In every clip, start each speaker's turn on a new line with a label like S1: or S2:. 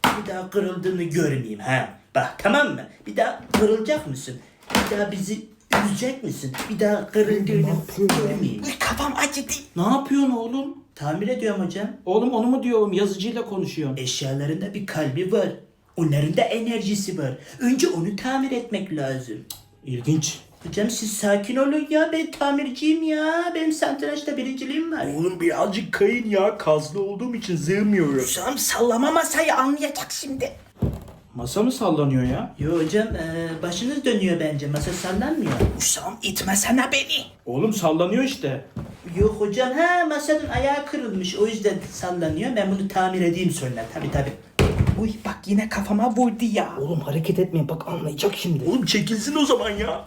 S1: Bir daha kırıldığını görmeyeyim ha. Bak tamam mı? Bir daha kırılacak mısın? Bir daha bizi üzecek misin? Bir daha kırıldığını görmeyeyim.
S2: Uy, kafam acıdı.
S3: Ne yapıyorsun oğlum?
S1: Tamir ediyorum hocam.
S3: Oğlum onu mu diyorum? Yazıcıyla konuşuyorum.
S1: Eşyalarında bir kalbi var. Onların da enerjisi var. Önce onu tamir etmek lazım.
S3: İlginç.
S1: Hocam siz sakin olun ya. Ben tamirciyim ya. Benim satrançta birinciliğim var.
S4: Oğlum birazcık kayın ya. Kaslı olduğum için sığmıyorum.
S2: Hüsam sallama masayı, anlayacak şimdi.
S3: Masa mı sallanıyor ya?
S1: Yo hocam başınız dönüyor bence. Masa sallanmıyor.
S2: Hüsam itmesene beni.
S3: Oğlum sallanıyor işte.
S1: Yok hocam masanın ayağı kırılmış. O yüzden sallanıyor. Ben bunu tamir edeyim sonra. Tabii.
S2: Uy bak yine kafama vurdu ya.
S3: Oğlum hareket etmeyin bak anlayacak şimdi.
S4: Oğlum çekilsin o zaman ya.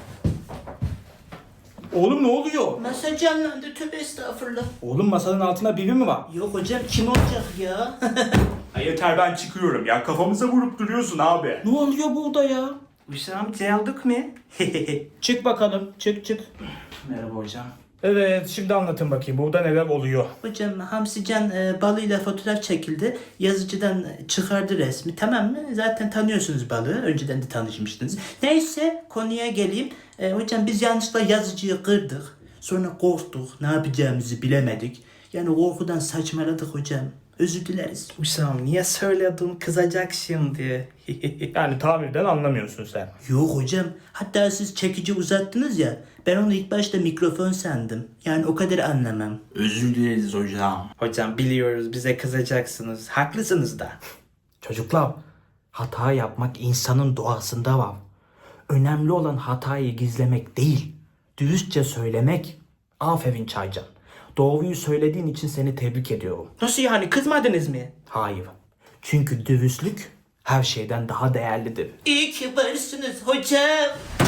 S3: Oğlum ne oluyor?
S1: Masa canlandı. Tövbe estağfurullah.
S3: Oğlum masanın altında biri mi var?
S1: Yok hocam kim olacak ya?
S4: Ha yeter ben çıkıyorum ya. Kafamıza vurup duruyorsun abi.
S3: Ne oluyor burada ya?
S2: Hüsam geldik mi?
S3: Çık bakalım. Çık. Merhaba hocam. Evet şimdi anlatın bakayım burada neler oluyor.
S1: Hocam Hamsican balıyla fotoğraf çekildi. Yazıcıdan çıkardı resmi. Tamam mı? Zaten tanıyorsunuz balığı. Önceden de tanışmıştınız. Neyse konuya geleyim. Hocam biz yanlışlıkla yazıcıyı kırdık. Sonra korktuk. Ne yapacağımızı bilemedik. Yani korkudan saçmaladık hocam. Özür dileriz.
S2: Hüsam niye söyledin, kızacak şimdi.
S3: Yani tamirden anlamıyorsun sen.
S1: Yok hocam. Hatta siz çekici uzattınız ya. Ben onu ilk başta mikrofon sandım. Yani o kadar anlamam.
S4: Özür dileriz hocam.
S2: Hocam biliyoruz bize kızacaksınız. Haklısınız da.
S5: Çocuklar, hata yapmak insanın doğasında var. Önemli olan hatayı gizlemek değil, dürüstçe söylemek. Aferin Çaycan. Doğruyu söylediğin için seni tebrik ediyorum.
S2: Nasıl yani, kızmadınız mı?
S5: Hayır. Çünkü dürüstlük her şeyden daha değerlidir.
S1: İyi ki varsınız hocam.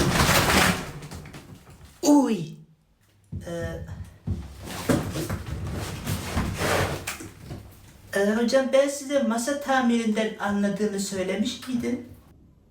S1: Uy. Hocam ben size masa tamirinden anladığımı söylemiş miydim?